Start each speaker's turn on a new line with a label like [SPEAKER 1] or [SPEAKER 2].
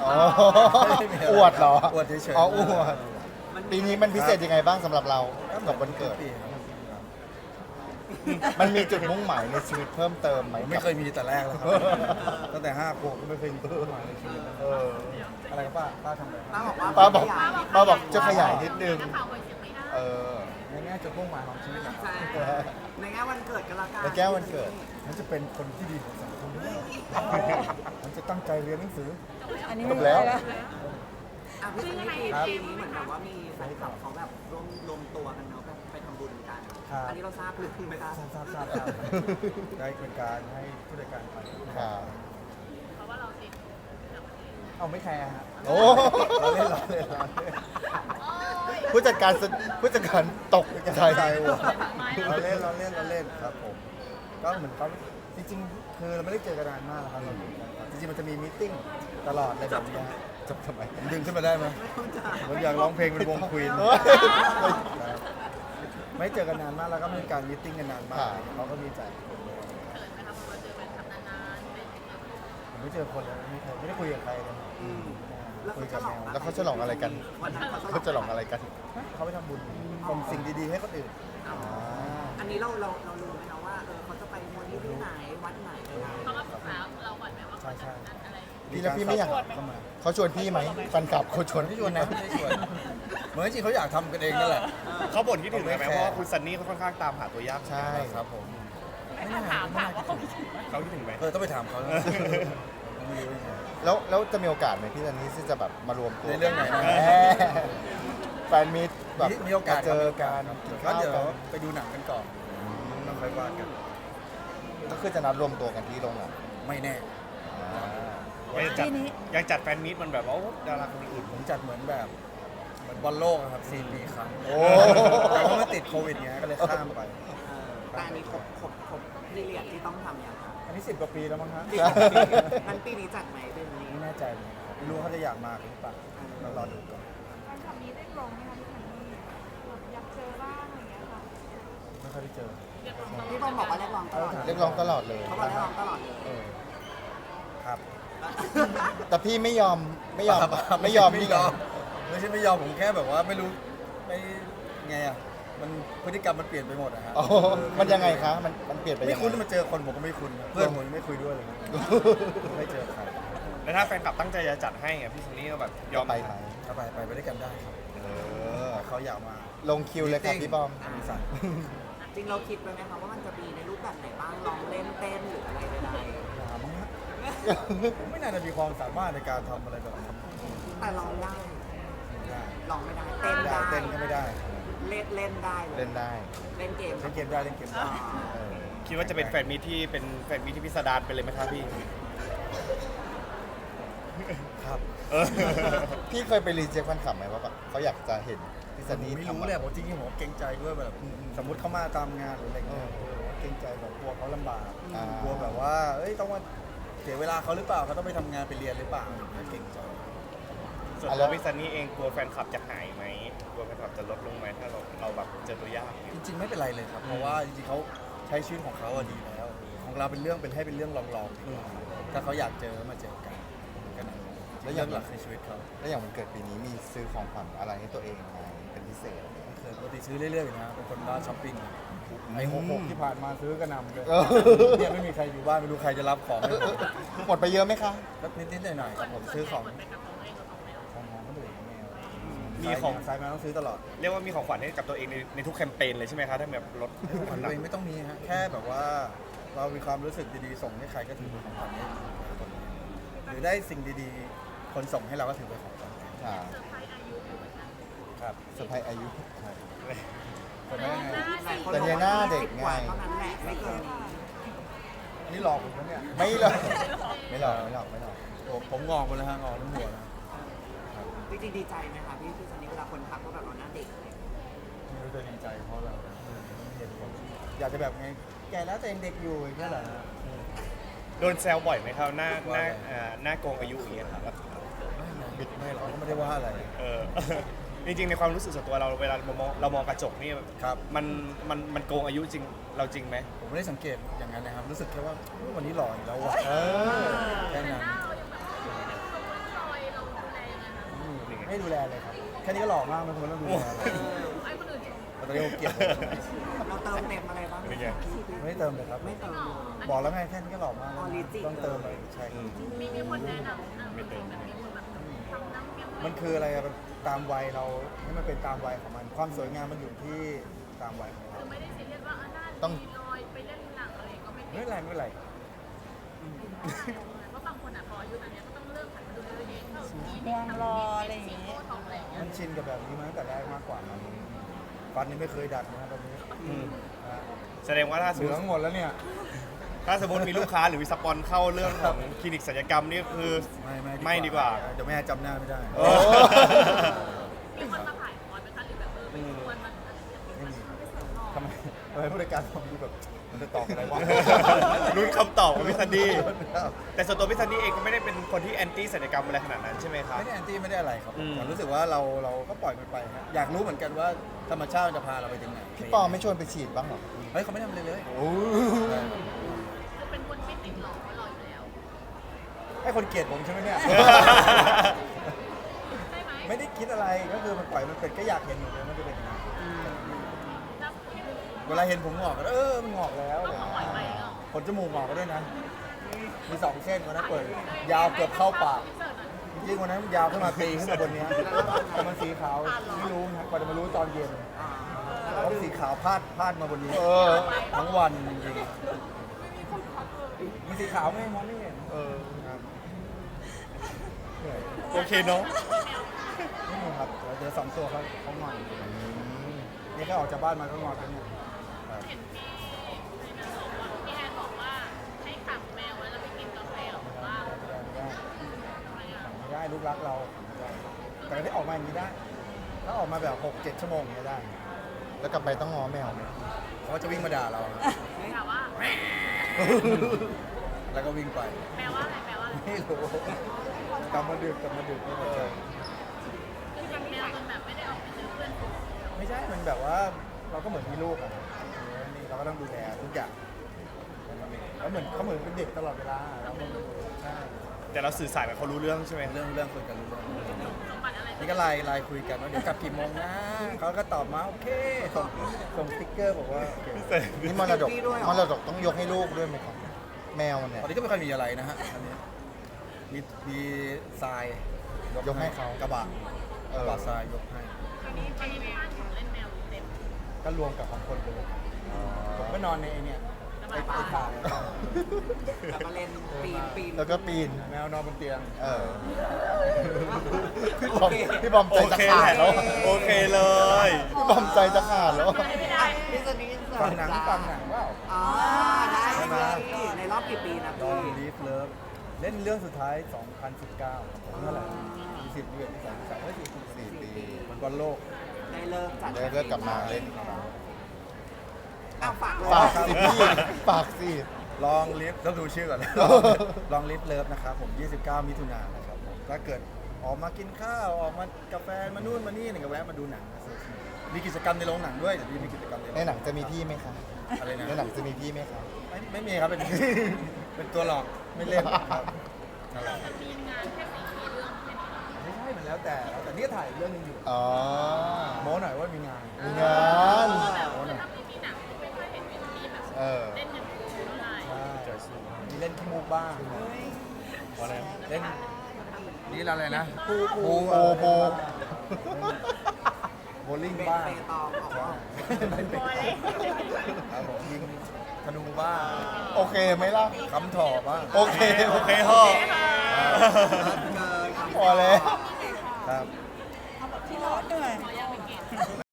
[SPEAKER 1] อ๋ออวดเหรอ
[SPEAKER 2] อวดเฉยๆ
[SPEAKER 1] อ๋ออวดปีนี้มันพิเศษยังไงบ้างสำหรับเรากับวันเกิด
[SPEAKER 2] ปีครับ
[SPEAKER 1] มันมีจุดมุ่งหมายในชีวิตเพิ่มเติมไหม
[SPEAKER 2] ไม่เคยมีแต่แรกแล้วครับตั้งแต่5 ขวบก็ไม่เคยมีเป้าหมายในชีวิตนะ
[SPEAKER 1] เออ
[SPEAKER 2] อะไรครับป้าทำอะไร
[SPEAKER 3] ป้าบอกว่า
[SPEAKER 1] ป้าบอกจะขยายนิดนึงเออ
[SPEAKER 2] ในแง่จุดมุ่งหมายของชีวิตนะครับ
[SPEAKER 3] ใช่ในแง่วันเกิดกันละกัน
[SPEAKER 1] ในแก้ววันเกิด
[SPEAKER 2] มันจะเป็นคนที่ดีของสังคมมันจะตั้งใจเรียนหนังสือ
[SPEAKER 4] อันนี้
[SPEAKER 1] จ
[SPEAKER 4] ไม่
[SPEAKER 1] บ
[SPEAKER 4] ได้
[SPEAKER 1] แล้ว
[SPEAKER 4] แล้ว
[SPEAKER 3] อ่ะพี่ซันนี่ปีนี้เหมือนแบบว่ามีแฟนคลับเขาแบบรวมตัวกันเนาะแบบไปทำบุญกัน อันนี้เราทราบหรือไม่ทราบ
[SPEAKER 2] ทราบได้เป็นการให้ผู้จัดการไป
[SPEAKER 1] ค่ะ
[SPEAKER 2] เอาไม่แคร์ฮะ
[SPEAKER 1] โอ้
[SPEAKER 2] เราเล่น
[SPEAKER 1] ผู้จัดการตกใจ
[SPEAKER 2] เราเล่นครับผมก็เหมือนเขาจริงๆคือเราไม่ได้เจอกันนานมากแล้วครับเราอยู่กันครับจริงๆมันจะมีมีตติ้งตลอดเลยแบบนี้จับทำไมดึงขึ้นมาได้ไหมผมอยากร้องเพลงเป็นวงควีนไม่เจอกันนานมากแล้วก็ไม่มีการมีตติ้งกันนานมากเขาก็มีใจผมไม่เจอคนเลยไม่ได้คุยกับใครเลย คุยกับแมว
[SPEAKER 1] แล้วเขาฉลองอะไรกัน
[SPEAKER 3] วันนั้น
[SPEAKER 1] เขาฉลองอะไรกัน
[SPEAKER 2] เขาไปทำบุญส่งสิ่งดีๆให้คนอื่น
[SPEAKER 3] อันนี้เรารู้ไหมคะว่าเขาจะไปมูลนิธิไหนวัดไหนอะไร
[SPEAKER 5] เขามาปรึกษาเราก่อนไหมว่า
[SPEAKER 2] ใช่ใช่
[SPEAKER 5] อะไร
[SPEAKER 1] พี่แล้วพี่ไม่อยาก
[SPEAKER 2] เข้ามา
[SPEAKER 1] เขาชวนพี่ไหมแฟนคลับเขาชวน
[SPEAKER 2] ไม่ชวนนะไม่ได้ชวนเหมือนจริงเขาอยากทำกันเองนั่นแหละ
[SPEAKER 6] เขาบ่นคิดถึงไหมเพราะว่าคุณซันนี่เขาค่อนข้างตามหาตัวยาก
[SPEAKER 1] ใช่
[SPEAKER 2] ครับผม
[SPEAKER 5] ไม่ถามว่าเขาคิดถึงไหม
[SPEAKER 6] เขาคิดถึงไหม
[SPEAKER 2] ต้องไปถามเขาแล้วไม่รู้ยังไง
[SPEAKER 1] แล้วจะมีโอกาสไหมพี่ตอนนี้ที่จะแบบมารวมตัว
[SPEAKER 2] ในเรื่องไหนนะ
[SPEAKER 1] แหมแฟนมิตรแบบ
[SPEAKER 2] มีโอกาส
[SPEAKER 1] เจอกันกิน
[SPEAKER 2] ก็
[SPEAKER 1] ข้าว
[SPEAKER 2] เดี๋ยว
[SPEAKER 1] กัน
[SPEAKER 2] ไปดูหนังกันก่อนแล้วค่อยว่ากัน
[SPEAKER 1] ก็คือจะนัดรวมตัวกันที่โรงหนัง
[SPEAKER 2] ไม่แน่
[SPEAKER 6] ยังจัดยังจัดแฟนมีตมันแบบว่าดาราคนอื่น
[SPEAKER 2] ผมจัดเหมือนบอลโลกอะครับ4 ปีครั้ง
[SPEAKER 1] โอ้
[SPEAKER 2] แต่ว่ามันติดโควิดไงก็เลยข้ามไป
[SPEAKER 3] แต่อันนี้ครบพีเรียดที่ต้องทำอย่างไร
[SPEAKER 2] อันนี้10 กว่าปีแล้วมั้งฮะ
[SPEAKER 3] งั้นปีนี้จัดไหมเดือนนี้
[SPEAKER 2] ไม่แน่ใจเลยครับไม่รู้เขาจะอยากมาหรือเปล่าเรารอดูก่อน
[SPEAKER 4] การทำนี้ได้ลงไหมคะพี่ซันนี่แบบอยากเจอบ้างอะไรอย่างเงี้ยค่ะ
[SPEAKER 2] ไม่ค่อยได้เจอ
[SPEAKER 3] พี่บอมบอกว่าเรียกร้องตลอด
[SPEAKER 1] เรียกร้องตลอดเลย
[SPEAKER 3] เขาบอกเรียกร้องตลอดเลย
[SPEAKER 2] เออครับ
[SPEAKER 1] แต่พี่ไม่ยอมนี่ไง
[SPEAKER 2] ไม่ใช่ไม่ยอมผมแค่แบบว่าไม่รู้ไม่ไงอ่ะมันพฤติกรรมมันเปลี่ยนไปหมดอะฮะ
[SPEAKER 1] อ๋อมันยังไงคะมันเปลี่ยนไป
[SPEAKER 2] ไม่
[SPEAKER 1] ยัง
[SPEAKER 2] คุ้น
[SPEAKER 1] ไง
[SPEAKER 2] มาเจอคนผมก็ไม่คุ้นเพื่อนผมยังไม่คุยด้วยเลยไม่เจอใคร
[SPEAKER 6] แล้วถ้าแฟนคลับตั้งใจจะจัดให้อะพี่ซันนี่ก็แบบยอม
[SPEAKER 1] ไปไหม
[SPEAKER 2] ถ้าไปด้วยกันได้ครับ
[SPEAKER 1] เออ
[SPEAKER 2] เขาอยากมา
[SPEAKER 1] ลงคิวเลยครับพี่บอม
[SPEAKER 2] มีสั่ง
[SPEAKER 3] จริงเราคิดไปไหมคะว่ามันจะมีในรูปแบบไหนบ้างลองเล่นเต้นหรืออะไรใด
[SPEAKER 2] ถามฮะผมไม่น่าจะมีความสามารถในการทำอะไรแบบนั้น
[SPEAKER 3] ๆแต่ลองได้
[SPEAKER 2] ได้
[SPEAKER 3] ลองไม่ได้เต้น
[SPEAKER 2] ไม่ได้
[SPEAKER 3] ได้
[SPEAKER 2] เต้นก็ไม่ได้
[SPEAKER 3] เล่นได้เลย
[SPEAKER 1] เล่นได้
[SPEAKER 3] เล่นเกม
[SPEAKER 2] เล่นเกมได้เล่นเกมได้
[SPEAKER 3] อ๋อ
[SPEAKER 1] เออ
[SPEAKER 6] คิดว่าจะเป็นแฟนมีตที่เป็นแฟนมีตที่พิสดารไปเลยไหมครับพี่
[SPEAKER 2] ครับ
[SPEAKER 6] เออ
[SPEAKER 1] พี่เคยไปรีเจ็คแฟนคลับไหมว่าแบบเขาอยากจะเห็นพี่ซันนี่
[SPEAKER 2] ไม่
[SPEAKER 1] ทำ
[SPEAKER 2] รู้
[SPEAKER 1] อะ
[SPEAKER 2] เล
[SPEAKER 1] ไร
[SPEAKER 2] ยผมจริงๆผมเกรงใจด้วยแบบสมมติเขามาตามงานหรืออะไรเงี้ยเกรงใจแบบกลัวเขาลำบาก กลัวแบบว่าเอ้ยต้องมาเสียเวลาเขาหรือเปล่าเขาต้องไปทำงานไปเรียนหรือเปล่าเกรงใจ
[SPEAKER 6] ส่วนตัวพี่ซันนี่เองกลัวแฟนคลับจะหายไหมกลัวแฟนคลับจะลดลงไหมถ้าเราแบบเจอตัวยากเนี่ย
[SPEAKER 2] จริงๆไม่เป็นไรเลยครับ เพราะว่าจริงๆเขาใช้ชีวิตของเขาอะดีแล้ว ของเราเป็นเรื่องเป็นให้เป็นเรื่องลองๆดีกว่าถ้าเขาอยากเจอก็มาเจอกันกันนะแล้วเรื่องหลักในชีวิตเขา
[SPEAKER 1] แล้วอย่างวันเกิดปีนี้มีซื้อของขวัญอะไรให้ตัวเองไหมเป็นพิเศษ
[SPEAKER 2] เคยปกติซื้อเรื่อยๆอยู่นะเป็นคนบ้าช้อปปิ้งไอ้66ที่ผ่านมาซื้อกระหนำเลย
[SPEAKER 1] เออ
[SPEAKER 2] เนี่ยไม่มีใครอยู่บ้านไม่รู้ใครจะรับของให้ผม
[SPEAKER 1] หมดไปเยอะไหมคะ
[SPEAKER 2] แล้วนิดๆหน่อยๆครับผมซื้อของ
[SPEAKER 5] ไปกับของตัวเองกับของแมว
[SPEAKER 2] ของคนอื่นแมว
[SPEAKER 6] มีของ
[SPEAKER 2] สายมาต้องซื้อตลอด
[SPEAKER 6] เรียกว่ามีของขวัญให้กับตัวเองในทุกแคมเปญเลยใช่ไหมครับถ้าแบบลด
[SPEAKER 2] ของขวัญตัวเองไม่ต้องมีฮะแค่แบบว่าเรามีความรู้สึกดีๆส่งให้ใครก็ถือเป็นของขวัญให้คนนั้นหรือได้สิ่งดีๆ คนส่งให้เราก็ถือเป็นของขวัญ
[SPEAKER 1] ค่ะ
[SPEAKER 2] ครับ
[SPEAKER 1] เซอร์ไพรส์อายุ
[SPEAKER 2] ใช่คนนั้นไง
[SPEAKER 1] แต่เนี่ยหน้าเด็กไง
[SPEAKER 3] เท่านั้นแหละไม่เกินนี้
[SPEAKER 2] นี่หลอกผมนะเนี่ย
[SPEAKER 1] ไม่หรอกไม่หรอกไม่หรอกไม่หรอก
[SPEAKER 2] ผมงอกหมดเลยฮะงอกทั้งหัวนะ
[SPEAKER 3] จริงๆดีใจไหมคะพี่ซันนี่เวลาคนทักว่าแบบเราหน้าเด็กอะไรอย่างเงี้ย
[SPEAKER 2] ไม่รู้จะดีใจเพราะเราเห็นผมอยากจะแบบไงแก่แล้วแต่ยังเด็กอยู่อย่างเงี้ยเหรอ
[SPEAKER 6] โดนแซวบ่อยไหมครับหน้าโกงอายุอย่างเงี้ยครับ
[SPEAKER 2] บิดไม่หรอกก็ไม่ได้ว่าอะไร
[SPEAKER 6] เออ จริงๆในความรู้สึกส่วนตัวเราเวลาเรามองกระจกนี่
[SPEAKER 2] ครับ
[SPEAKER 6] มันโกงอายุจริงเราจริงไหม
[SPEAKER 2] ผมไม่ได้สังเกตอย่างนั้นนะครับรู้สึกแค่ว่าวันนี้หล่ออยู่แล้วว่ะ
[SPEAKER 1] เออ
[SPEAKER 2] แค่นั้น
[SPEAKER 5] หน้าเรายังแบบรอยเรา
[SPEAKER 2] แค่นี้ก็หล่อมากมันควรต้องดูแล
[SPEAKER 5] ไอ้คนอื่นชม
[SPEAKER 2] แต่ตอนนี้ผมเกลียด
[SPEAKER 3] เราเติมเต็มอะไรบ้าง
[SPEAKER 6] เป็นไง
[SPEAKER 2] ไม่ได้เติมเลยครับ
[SPEAKER 3] ไม่เติม
[SPEAKER 2] บอกแล้วไงแค่นี้ก็หล่อมาก
[SPEAKER 3] ออริจิน
[SPEAKER 2] ต้องเติมเลยใช่ครับ
[SPEAKER 5] มีคนแนะนำไม่เติมแบบมีคนแบบทำน้ำเงี้ย
[SPEAKER 2] มันคืออะไรอะมันตามวัยเราให้มันเป็นตามวัยของมัน ความสวยงามมันอยู่ที่ตามวัยของเรา
[SPEAKER 5] คือไม่ได้ซีเรียสว่าหน้า
[SPEAKER 1] ต้อง
[SPEAKER 5] ดีลอยไปเล่นหนังอะไรก็ไม่
[SPEAKER 2] ไม่เป็นไรไม่เป็นไร
[SPEAKER 5] ว่าบางคนอ่ะพออายุตอนนี้ก็ต้องเริ่มหันมาดูแลตัวเองเข้าที
[SPEAKER 4] มองรออะไรอย่างเงี้ย
[SPEAKER 5] โทองอะไรอย่างเงี้ย
[SPEAKER 2] มันชินกับแบบนี้มาตั้งแต่แรกมากกว่ามันฟันนี่ไม่เคยดัดนะตอนนี้
[SPEAKER 6] อืม
[SPEAKER 2] นะ
[SPEAKER 6] แสดงว่าถ้าสม
[SPEAKER 2] เห
[SPEAKER 6] ม
[SPEAKER 2] ลื
[SPEAKER 6] ติ
[SPEAKER 2] องหมดแล้วเนี่ย
[SPEAKER 6] ถ้าสมมติมีลูกค้าหรือมีสปอนเข้าเรื่องของคลินิกศัลยกรรมนี่คือ ไม่ดีกว่า
[SPEAKER 2] เดี๋ยวแม่จำหน้าไม่ได้
[SPEAKER 6] โอ้
[SPEAKER 5] มีคนมาถ่ายคอร์สไหมคะหรือแบบไปชวนมันอะไรอย่างเงี้ย
[SPEAKER 2] ไม่มีทำไมผู้จัดการผมดูแบบมันจะตอบอะไรวะ
[SPEAKER 6] ลุ้นคำตอบของพี่ซันดี้แต่ส่วนตัวพี่ซันดี้เองก็ไม่ได้เป็นคนที่แอนตี้ศัลยกรรมอะไรขนาดนั้นใช่ไหมครับ
[SPEAKER 2] ไม่ได้แอนตี้ไม่ได้อะไรครับ
[SPEAKER 6] อืม
[SPEAKER 2] แต่รู้สึกว่าเราก็ปล่อยมันไปฮะอยากรู้เหมือนกันว่าธรรมชาติมันจะพาเราไปถึงไหน
[SPEAKER 1] พี่ปอไม่ชวนไปฉีดบ้างเหรอ
[SPEAKER 2] เฮ้ยเขาไม่ทำอะไรเลย
[SPEAKER 1] โอ้
[SPEAKER 5] คือเป็นคนไม่ติดหลอกว่าหล่ออยู่แล้ว
[SPEAKER 2] ให้คนเกลียดผมใช่ไหมเนี่ย
[SPEAKER 5] ใช่ไหม
[SPEAKER 2] ไม่ได้คิดอะไรก็คือมันปล่อยมันเป็นก็อยากเห็นเหมือนกันมันจะเป็นยังไง
[SPEAKER 5] ถ้า
[SPEAKER 2] เวลาเห็นผมงอกก็มันงอกแล้ว
[SPEAKER 5] ก็ปล่อยไปก็
[SPEAKER 2] ขนจมูกงอกก็ด้วยนะ มี2 เส้นวันนั้นเปิด ยาวเกือบเข้าปากจริงๆวันนั้นยาวขึ้นมาตีขึ้นมาบนเนี้ยแต่มันสีขาวไม่รู้นะกว่าจะมารู้ตอนเย็นแล้วสีขาวพาดมาบนนี้ทั้งวันจริงๆมันสีขาวไม่มองไม่เห็น
[SPEAKER 6] เออ
[SPEAKER 2] ครับเหนื่อย
[SPEAKER 6] โอเคเนาะ
[SPEAKER 2] ไม่มีครับเดี๋ยว2 ตัวเขางอนนี่แค่ออกจากบ้านมาก็งอนแล้วเนี่ยครับ
[SPEAKER 5] เห็นพี่ในนั้นบอกว่าพี่แอนบอกว่าให้ขังแมวไว้แล้วไปกินกาแฟหรอว่า
[SPEAKER 2] ไม่ได้ลูกรักเราไม่ได้แต่ที่ออกมาอย่างนี้ได้ ถ้าออกมาแบบ 6-7 ชั่วโมงอย่างนี้ได้
[SPEAKER 1] แล้วกลับไปต้องง้อแมวไหม
[SPEAKER 2] เขาจะวิ่งมาด่าเรา
[SPEAKER 5] ถามว่า
[SPEAKER 2] แล้วก็วิ่งไป
[SPEAKER 5] แปลว่าอะไรแปลว่าอะไร
[SPEAKER 2] ไม่รู้กลับมาดึกไม่พอใจ
[SPEAKER 5] คือเป็นแมวจนแบบไม่ได้ออกไปเจอเพื่อนฝูง
[SPEAKER 2] ไม่ใช่ มันแบบว่าเราก็เหมือนมีลูกอะนี่เราก็ต้องดูแลทุกอย่างแล้วเหมือนเขาเหมือนเป็นเด็กตลอดเวลาเราไม่รู้ใช่
[SPEAKER 6] แต่เราสื่อสารกับเขารู้เรื่องใช่ไหม
[SPEAKER 2] เรื่องคุยกันรู้เรื่อง
[SPEAKER 5] สมบัติอะไร
[SPEAKER 2] นี่ก็ไลน์คุยกันว่าเดี๋ยวกลับกี่โมงนะเขาก็ตอบมาโอเคส่งสติ๊กเกอร์บอกว่าโอเค
[SPEAKER 1] นี่มรดกต้องยกให้ลูกด้วยไหมครับ แมวเนี่ย
[SPEAKER 2] ตอนนี้ก็ไม่ค่อยมีอะไรนะฮะอันนี้มีทราย
[SPEAKER 1] ยกให้เขา
[SPEAKER 2] กระบะ
[SPEAKER 1] เออ
[SPEAKER 2] กระบะทรายยกให้
[SPEAKER 5] ตอนนี้ที่บ้านของเล่นแมวเต็ม
[SPEAKER 2] ก็รวมกับของคนไปเลยผมก็นอนในไอ้เนี่ยไอ้ถ่าน
[SPEAKER 3] แล้วก็เล่นปีน
[SPEAKER 1] แล้วก็ปีน
[SPEAKER 2] แมวนอนบนเตียง
[SPEAKER 1] เออ พี่บอม
[SPEAKER 6] โอ
[SPEAKER 1] ใจจะ
[SPEAKER 6] เค
[SPEAKER 1] ขา
[SPEAKER 6] แห
[SPEAKER 1] ด
[SPEAKER 6] ละ
[SPEAKER 1] แล้ว
[SPEAKER 6] โอเคเลย
[SPEAKER 1] พี่บอมใจจะขาดแล้ว
[SPEAKER 5] ไม่ได้
[SPEAKER 3] พี่ซันนี่
[SPEAKER 2] ฟังหนังว่า
[SPEAKER 3] อ๋อได้พี่ในรอบกี่ปีนะ
[SPEAKER 2] ลอง
[SPEAKER 3] พี่
[SPEAKER 2] ลีฟเลิฟเล่นเรื่องสุดท้าย 2019ผมเท่าไหร่20เดือนที่3
[SPEAKER 1] 4 ปี
[SPEAKER 2] มันบอลโลก
[SPEAKER 3] ได้เริ่มจัด
[SPEAKER 1] เดี๋ยวเลิกกลับมาเล่น
[SPEAKER 3] อ้าวฝาก
[SPEAKER 1] ฝากสิพี่ฝากสิ
[SPEAKER 2] ลองลิฟต้องดูชื่อก่อน ลองลิฟเลิฟนะครับผม 29 มิถุนายนนะครับผมถ้าเกิดออกมากินข้าวออกมากาแฟมานู่นมานี่ก็แวะมาดูหนังมีกิจกรรมในโรงหนังด้วยเดี๋ยวมีกิจกรรม
[SPEAKER 1] ในหนังจะมีพี่ไหมคะ
[SPEAKER 2] อะไรนะ
[SPEAKER 1] ในหนังจะมีพี่ไหมคะ
[SPEAKER 2] ไม่มีครับเป็น เป็นตัวหลอกไม่เล่นครับนั่นแหละ
[SPEAKER 5] มีงานแค่4เรื่องแค่นี้
[SPEAKER 2] ไม่ใช่มันแล้วแต่นี่ก็ถ่ายเรื่องนึงอยู่
[SPEAKER 1] อ๋อ
[SPEAKER 2] โม้หน่อยว่ามีงาน
[SPEAKER 1] มีงาน
[SPEAKER 5] คือถ้าไม่มีหนังไม่ค่อยเห็นวินนี่แบบ
[SPEAKER 1] เออ
[SPEAKER 5] เล่นอย่างอื่นเท่าไหร่
[SPEAKER 2] ใช่มีเล่นขี้มูกบ้างเล่นนี่อะไรนะปู
[SPEAKER 1] โอ้โห
[SPEAKER 2] โบลิ่ง
[SPEAKER 3] เบ
[SPEAKER 2] บ้าง
[SPEAKER 3] เปตองออกว่า
[SPEAKER 2] ครับผมยิงธนูบ้าง
[SPEAKER 1] โอเคไหมล่ะ
[SPEAKER 2] คำถอบ้าง
[SPEAKER 1] โอเค
[SPEAKER 6] โอเคฮะ
[SPEAKER 3] เกิน
[SPEAKER 1] พอแล้ว
[SPEAKER 2] ครับ
[SPEAKER 4] ที่ร้อนเหนื่อย
[SPEAKER 5] ขอยังไม่เก็บ